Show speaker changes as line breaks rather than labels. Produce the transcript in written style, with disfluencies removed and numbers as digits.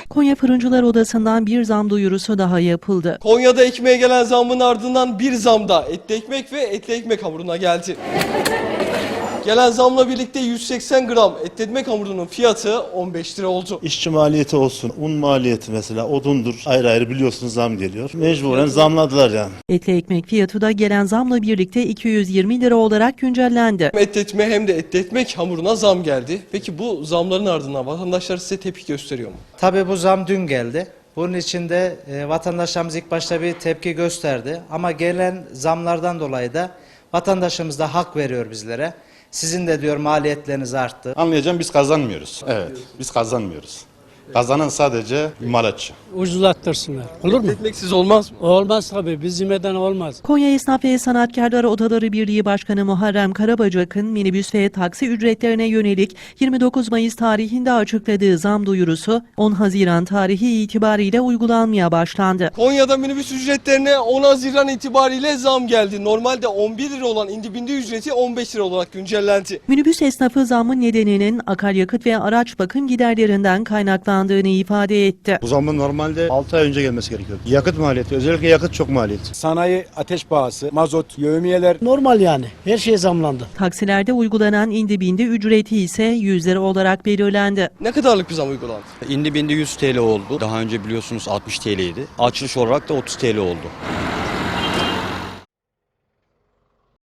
Konya Fırıncılar Odası'ndan bir zam duyurusu daha yapıldı.
Konya'da ekmeğe gelen zammın ardından bir zam da etli ekmek ve etli ekmek hamuruna geldi. Gelen zamla birlikte 180 gram etli ekmek hamurunun fiyatı 15 lira oldu.
İşçi maliyeti olsun, un maliyeti mesela, odundur, ayrı ayrı biliyorsunuz zam geliyor. Mecburen zamladılar yani.
Etli ekmek fiyatı da gelen zamla birlikte 220 lira olarak güncellendi.
Hem etli ekmeğe hem de etli ekmek hamuruna zam geldi. Peki bu zamların ardından vatandaşlar size tepki gösteriyor mu?
Tabii bu zam dün geldi. Bunun için de vatandaşlarımız ilk başta bir tepki gösterdi. Ama gelen zamlardan dolayı da vatandaşımız da hak veriyor bizlere. Sizin de diyor maliyetleriniz arttı.
Anlayacağım, biz kazanmıyoruz. Evet, biz kazanmıyoruz. Kazanan sadece imalatçı.
Ucuzlattırsınlar. Olur mu?
Ekmeksiz olmaz mı?
Olmaz tabii. Biz yemeden olmaz.
Konya Esnaf ve Sanatkarlar Odaları Birliği Başkanı Muharrem Karabacak'ın minibüs ve taksi ücretlerine yönelik 29 Mayıs tarihinde açıkladığı zam duyurusu 10 Haziran tarihi itibariyle uygulanmaya başlandı.
Konya'da minibüs ücretlerine 10 Haziran itibariyle zam geldi. Normalde 11 lira olan indibindi ücreti 15 lira olarak güncellendi.
Minibüs esnafı zammın nedeninin akaryakıt ve araç bakım giderlerinden kaynaklandığını ifade etti.
Bu zammın normalde 6 ay önce gelmesi gerekiyor. Yakıt maliyeti, özellikle yakıt çok maliyeti.
Sanayi ateş pahası, mazot, yevmiyeler.
Normal yani. Her şey zamlandı.
Taksilerde uygulanan indi bindi ücreti ise 100 lira olarak belirlendi.
Ne kadarlık bir zam uygulandı?
İndi bindi 100 TL oldu. Daha önce biliyorsunuz 60 TL'ydi. Açılış olarak da 30 TL oldu.